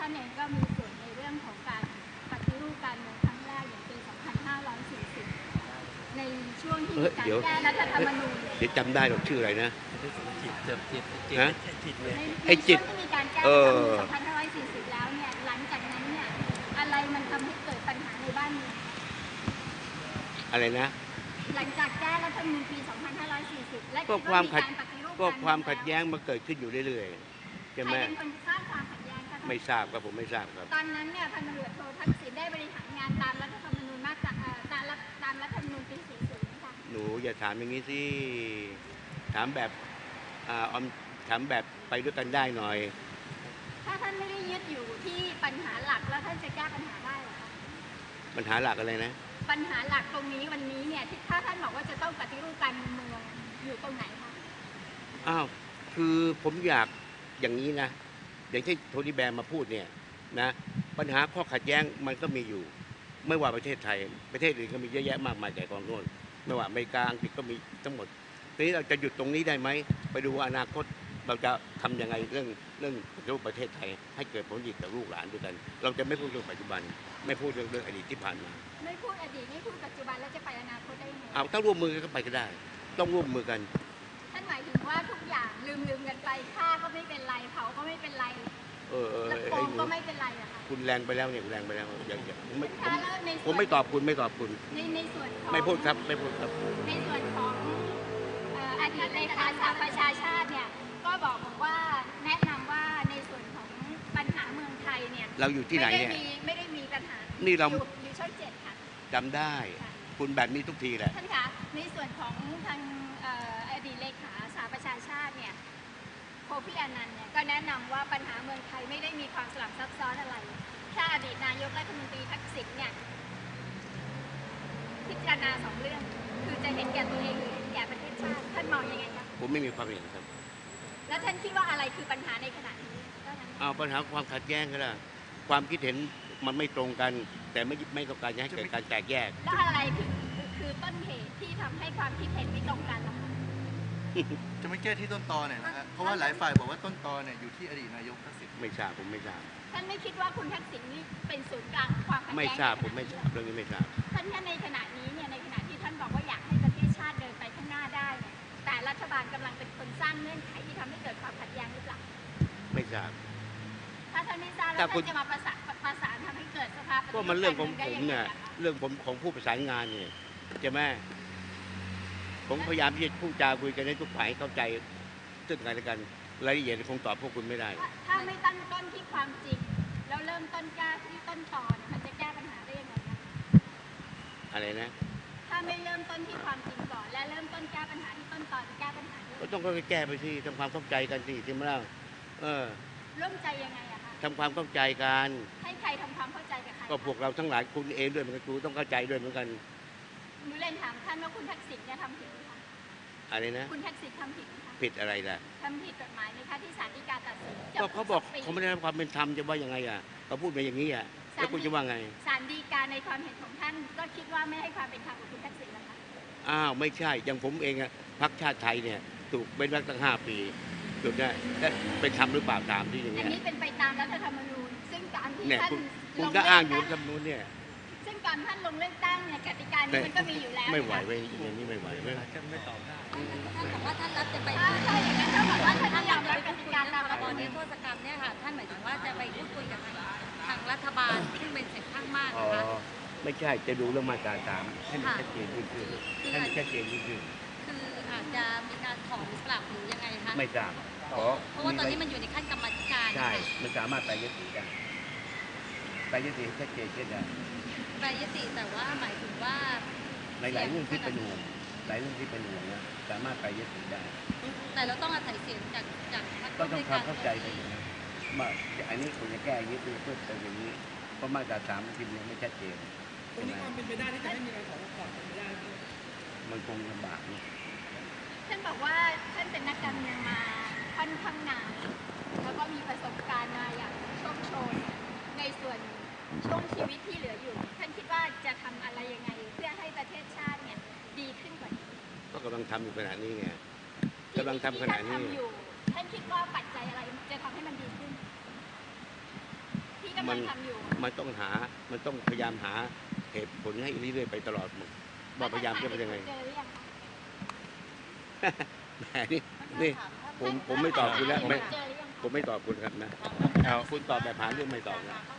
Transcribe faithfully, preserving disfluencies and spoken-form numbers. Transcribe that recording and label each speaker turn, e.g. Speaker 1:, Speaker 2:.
Speaker 1: ท่านเองก็มีส่วนในเรื่องของการปฏิรูปการเมืองครั้งแรกอย่างปี สองพันห้าร้อยสี่สิบ ในช่วงที่มีการแก้รัฐธรรมนูญ
Speaker 2: เดี๋ยวจำได้หรอกชื่ออะไรนะ
Speaker 3: จิตจิตจิตจิต
Speaker 2: ฮะ
Speaker 3: จิตเลย
Speaker 2: ไอ้จิต
Speaker 1: ในช่วงที่มีการแก้รัฐธรรมนูญ สองพันห้าร้อยสี่สิบ แล้วเนี่ยหลังจากนั้นเนี่ยอะไรมันทำให้เกิดปัญหาในบ้านเมือง
Speaker 2: อะไรนะ
Speaker 1: หลังจากแก้รัฐธรรมนูญปี สองพันห้าร้อยสี่สิบ และ
Speaker 2: ก็ความขัด
Speaker 1: การปฏิรูป
Speaker 2: ก็ความขัดแย้งมาเกิดขึ้นอยู่เรื่อยๆใช่ไหม
Speaker 1: ใครเป็นคนสร้างความขัดแย้งคะ
Speaker 2: ไม่ทราบครับผมไม่ทราบครับ
Speaker 1: ตอนนั้นเนี่ยพันตำรวจโททักษิณได้บริหารงานตามรัฐธรรมนูญมาตราเอ่อตามรัฐตามรัฐธรรมนูญปี สี่สิบ นะคะ
Speaker 2: หนูอย่าถามอย่างนี้สิถามแบบอ่าออมถามแบบไปด้วยกันได้หน่อย
Speaker 1: ถ้าท่านไม่ได้ยึดอยู่ที่ปัญหาหลักแล้วท่านจะแก้ปัญหาได้เหรอคะ
Speaker 2: ปัญหาหลักอะไรนะ
Speaker 1: ปัญหาหลักตรงนี้วันนี้เนี่ยที่ถ้าท่านบอกว่าจะต้องปฏิรูปการเมืองอยู่ตรงไหนคะ
Speaker 2: อ้าวคือผมอยากอย่างนี้นะอย่างที่โทนี่แบร์มาพูดเนี่ยนะปัญหาข้อขัดแย้งมันก็มีอยู่ ไม่ว่าประเทศไทยประเทศอื่นก็มีเยอะแยะมากมายแต่กองโน้นไม่ว่าอเมริกาอังกฤษก็มีทั้งหมดทีนี้เราจะหยุดตรงนี้ได้ไหมไปดูอนาคตเราจะทำยังไงเรื่องเรื่องปฏิรูปประเทศไทยให้เกิดผลดีกับลูกหลานด้วยกัน เราจะไม่พูดเรื่องปัจจุบัน ไม่พูดเรื่องเรื่องอดีตที่ผ่านมา
Speaker 1: ไม่พูดอดีตไม่พูดปัจจุบันแล้วจะไปอนาคตได้ยังไง
Speaker 2: เอาถ้าร่วมมือกันก็ไปก็ได้ ต้องร่วมมือกัน
Speaker 1: ท่านหมายถึงว่าทุกอย่างลืมลืมกันไปฆ่าก็ไม่เป็นไรเผาก็ไม่เป็นไร
Speaker 2: เออเออ
Speaker 1: แล้วโก
Speaker 2: ไอ้
Speaker 1: ง
Speaker 2: หนู
Speaker 1: ก็ไม่เป็นไรอะค่ะ
Speaker 2: คุณแรงไปแล้วเนี่ยคุณแรงไปแล้วอย่าอย่าผมไม่ผม
Speaker 1: ถ้าแล้วใน
Speaker 2: ผ
Speaker 1: ส่ว
Speaker 2: ม
Speaker 1: น
Speaker 2: ไม่ตอบคุณไม่ตอบคุณ
Speaker 1: ในในส่วนของ
Speaker 2: ไม่พูดครับไม่พูดครับ
Speaker 1: ในส่วนของเอ่ออดีตเลขาสหประชาชาติเนี่ยก็บอกบอกว่าแนะนำว่าในส่วนของปัญหาเมืองไทยเนี่ย
Speaker 2: เราอยู่ที่ไหนเนี่ย
Speaker 1: ไม่ได้มีไม่ได้มีปัญหา
Speaker 2: นี่เรา
Speaker 1: อยู่อยู่ช่องเจ็ดค่ะ
Speaker 2: จำได้ คุณแบบนี้ทุกทีแหละ
Speaker 1: ท่านคะในส่วนของทางเอ่ออดีตเลขาสหประชาชาติเนี่ยโคฟี่อานันต์เนี่ยก็แนะนำว่าปัญหาเมืองไทยไม่ได้มีความสลับซับซ้อนอะไรถ้าอดีตนายกรัฐมนตรีทักษิณเนี่ยพิจารณาสองเรื่องคือจะเห็นแก่ตัวเองหรือเห็นแก่ประเทศชาติท่านมองยังไงคะ
Speaker 2: ผมไม่มีความเห็นครับ
Speaker 1: แล้วท่านคิดว่าอะไรคือปัญหาในขณะนี้เท่านั้น
Speaker 2: เอาปัญหาความขัดแย้งก็ได้ความคิดเห็นมันไม่ตรงกัน แต่ไม่ไม่ต้องการจะให้เกิดการแตกแยก
Speaker 1: แล้วอะไรคือคือต้นเหตุที่ทำให้ความคิดเห็นไม่ตรงกันล่ะคะ
Speaker 3: จะไม่แก้ที่ต้นตอเนี่ยนะฮะเพราะว่าหลายฝ่ายบอกว่าต้นตอเนี่ยอยู่ที่อดีตนายกทักษิณ
Speaker 2: ไม่ทราบผมไม่ทราบ
Speaker 1: ท่านไม่คิดว่าคุณทักษิณนี่เป็นศูนย์กลางความขัดแย้ง
Speaker 2: ไม่ทราบ
Speaker 1: ใน
Speaker 2: ผมไม่ทราบเรื่องนี้ไม่ทราบ
Speaker 1: ท่านแค่ในขณะนี้เนี่ยในขณะที่ท่านบอกว่าอยากให้ประเทศชาติเดินไปข้างหน้าได้เนี่ยแต่รัฐบาลกำลังเป็นคนสร้างเงื่อนไขที่ทำให้เกิดความขัดแย้งหรือเปล่า
Speaker 2: ไม่ทราบ
Speaker 1: ถ้าท่านไม่ทราบแล้ว
Speaker 2: ถ้าคุ
Speaker 1: ท่า
Speaker 2: ณ
Speaker 1: นจะมาประสานประสานทำให้เกิดสภาพปฏิ
Speaker 2: ก็
Speaker 1: รูป
Speaker 2: มันเรื่องของ
Speaker 1: กา
Speaker 2: ผม
Speaker 1: ได้
Speaker 2: เนี่ย
Speaker 1: งไงคะ
Speaker 2: เรื่องผมของผู้ประสานงานเนี่ยใช่ไหมผมพยายามที่จะพูดจาคุยกันให้ทุกฝ่ายเข้าใจซึ่งกันและกันรายละเอียดคงตอบพวกคุณไม่ได้
Speaker 1: ถ้าถ้าไม่ตั้งต้นที่ความจริงแล้วเริ่มต้นแก้ที่ต้นตอเนี่ยมันจะแก้ปัญหาได้ยังไงคะ
Speaker 2: อะไรนะ
Speaker 1: ถ้าไม่เริ่มต้นที่ความจริงก่อนและเริ่มต้นแก้ปัญหาที่ต้นตอจะแก้ปัญหาได้
Speaker 2: ก็ต้องค่อยๆแก้ไปสิทำความเข้าใจกันสิที่มาแล้วเออ
Speaker 1: ร่วมใจยังไงอะคะ
Speaker 2: ทำความเข้าใจกัน
Speaker 1: ให้ใครทำความเข้าใจกับใคร
Speaker 2: ก็พวกเราทั้งหลายคุณเองด้วยเหมือนกันคุณต้องเข้าใจด้วยเหมือนกัน
Speaker 1: หนูเรียนถามท่านว่าคุณทักษิณเนี่ยทำผิดไหมคะ
Speaker 2: อะไรนะ
Speaker 1: คุณทักษิณทำผิดไหมคะ
Speaker 2: ผิดอะไรล่ะ
Speaker 1: ทำผิดกฎหมายไหมคะที่ศาลฎีกาตัดสิน
Speaker 2: ก็เขาบอก
Speaker 1: จำคุสงปี
Speaker 2: เขาไม่ได้รับความเป็นธรรมจะว่ายังไงอ่ะเขาพูดมาอย่างนี้อ่ะแล้วคุณจะว่าไง
Speaker 1: ศาลฎีกาในความเห็นของท่านก็คิดว่าไม่ให้ความเป็นธรรมกับคุณทักษิณแล้วคะ
Speaker 2: อ้าวไม่ใช่อย่างผมเองอะพรรคชาติไทยเนี่ยถูกเป็นรักตั้งห้าปีถูกได้และเป็นธรรมหรือเปล่าตามที่อย่าง
Speaker 1: อัน
Speaker 2: เงี้ย
Speaker 1: นี้เป็นไปตามรัฐธรรมนูญ ซึ่งการที่
Speaker 2: เนี่ย
Speaker 1: ท่าน
Speaker 2: คุณ
Speaker 1: ล
Speaker 2: คุณ
Speaker 1: ง
Speaker 2: ก็
Speaker 1: เลื
Speaker 2: อ้า
Speaker 1: อง ก
Speaker 2: อยู่
Speaker 1: ตั้ง
Speaker 2: คำนู้นเนี่ย
Speaker 1: ซึ่งการท่านลงเลือกตั้งเนี่ยกติกานี้มันก็มีอยู่แล้ว
Speaker 2: ไม่ไหว
Speaker 1: นะคะ
Speaker 2: ไปอย่างนี้ไม่ไหวไม่
Speaker 3: จะไม่ตอบได้
Speaker 4: ท่านบอกว่าท่านรับจะไป
Speaker 1: อ่าใช่อย่างนั้นเท่ากับว่าท่าน
Speaker 4: ท่าน
Speaker 1: ย
Speaker 4: ย
Speaker 1: อ
Speaker 4: อ
Speaker 1: ม
Speaker 4: ม
Speaker 1: รั
Speaker 4: รั
Speaker 1: บบ ก
Speaker 4: ก
Speaker 1: ติ
Speaker 4: ติ
Speaker 1: กาก
Speaker 4: า
Speaker 1: ตาม
Speaker 4: ตาม
Speaker 1: ระ
Speaker 4: ระ
Speaker 1: บบ อบ นิ
Speaker 4: นิ
Speaker 1: ร
Speaker 4: ร
Speaker 1: โท
Speaker 4: โท
Speaker 1: ษ
Speaker 4: ษกรรมเนี่ยค่ะท่านหมายถึงว่าจะไปพูดคุยกับทางทางรัฐบาลซึ่งเป็นเสียงข้างมาก
Speaker 2: อ๋อ
Speaker 4: นะคะ
Speaker 2: ไม่ใช่จะดูเรื่องมาตราสามให้มันชัดเจนยิ่งขึ้นให้มันชัดเจนยิ่งขึ้น
Speaker 4: คืออาจจะมีการถอนกลับหรือยังไงคะ
Speaker 2: ไม่ทราบขอ
Speaker 4: เพราะว่าตอนนี้มันอยู่ในขั้นกรรมธิการ
Speaker 2: ใช่
Speaker 4: ค่ะ
Speaker 2: มันสามารถไปยติได้ไปยติให้ชัดเจนขึ้นได้
Speaker 4: แปลยติแต่ว่าหมายถึงว่า
Speaker 2: ในหลายเรื่องที่เป็นห่วงหลายเรื่องที่เป็นห่วงนะสามารถไปยติได้
Speaker 4: แต่เราต้องอาศัยเสียงจากจากพรรค
Speaker 2: ก็ต้องความ
Speaker 4: ในร
Speaker 2: เข้าใจกันอย่างนี้ว่าอันนี้ควรจะแก้อย่างนี้เพื่อเพื่อเติมอย่างนี้เพราะมาตราสามมันพิมพ์ยังไม่ชัดเจน
Speaker 5: ตรงนี้ความเป็นไปได้ที่จะไม่มีการขอถอนเป็นไปได้ไหม
Speaker 2: มันคงลำบากนะ
Speaker 1: ท่านบอกว่าท่านเป็นนักการเมืองมาค่อนข้างนานแล้วก็มีประสบการณ์มาอย่างโชคโชนในส่วนช่วงชีวิตที่เหลืออยู่ ท่านคิดว่าจะทำอะไรยังไงเพื่อให้ประเทศชาติเนี่ยดีขึ้นกว่านี้
Speaker 2: ก็กำลังทำอยู่ขณะนี้ไงกำลังทำขณะนี้
Speaker 1: ที่ท่านทำอยู่ท่านคิดว่าปัจจัยอะไรจะทำให้มันดีขึ้น
Speaker 2: ก
Speaker 1: ำ
Speaker 2: มั
Speaker 1: ลั
Speaker 2: น
Speaker 1: งทำอยู่
Speaker 2: มันต้องหา มันต้องพยายามหาเหตุผลให้เรื่อยๆไปตลอดว่าพยายามจะเป็นยังไง
Speaker 1: เจอหรือยังคะ
Speaker 2: แหมนี่นี่ผมผมไม่ตอบคุณแล้วไม่
Speaker 1: เจอหรือยังคะ
Speaker 2: ผมไม่ตอบคุณครับนะ
Speaker 6: เอา
Speaker 2: คุณตอบแบบหาเรื่องไม่ตอบนะ